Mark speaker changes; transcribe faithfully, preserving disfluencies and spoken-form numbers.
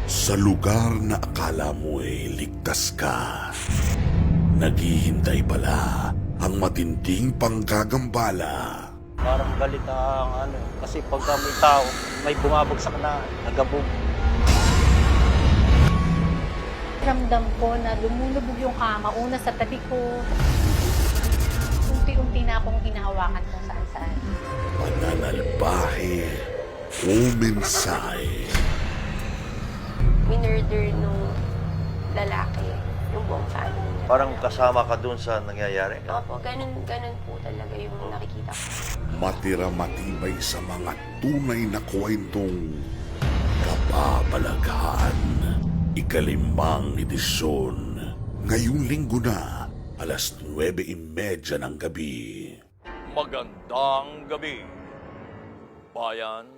Speaker 1: Sa lugar na akala mo'y ligtas ka, naghihintay pala ang matinding panggagambala.
Speaker 2: Parang galit ang ano, kasi pagka may tao, may bumabagsak na nagabog.
Speaker 3: Ramdam ko na lumulubog yung kama, una sa tabi ko. Unti-unti na akong hinahawakan kung saan-saan.
Speaker 1: Pananalbahe o mensahe.
Speaker 4: Minurder nung lalaki, yung buong family niya.
Speaker 5: Parang kasama ka dun sa nangyayari?
Speaker 4: Opo, ganun, ganun po talaga yung nakikita ko.
Speaker 1: Matira matibay sa mga tunay na kwentong kababalaghan. Ikalimang edisyon. Ngayong linggo na, alas nuwebe imedya ng gabi.
Speaker 6: Magandang gabi, bayan.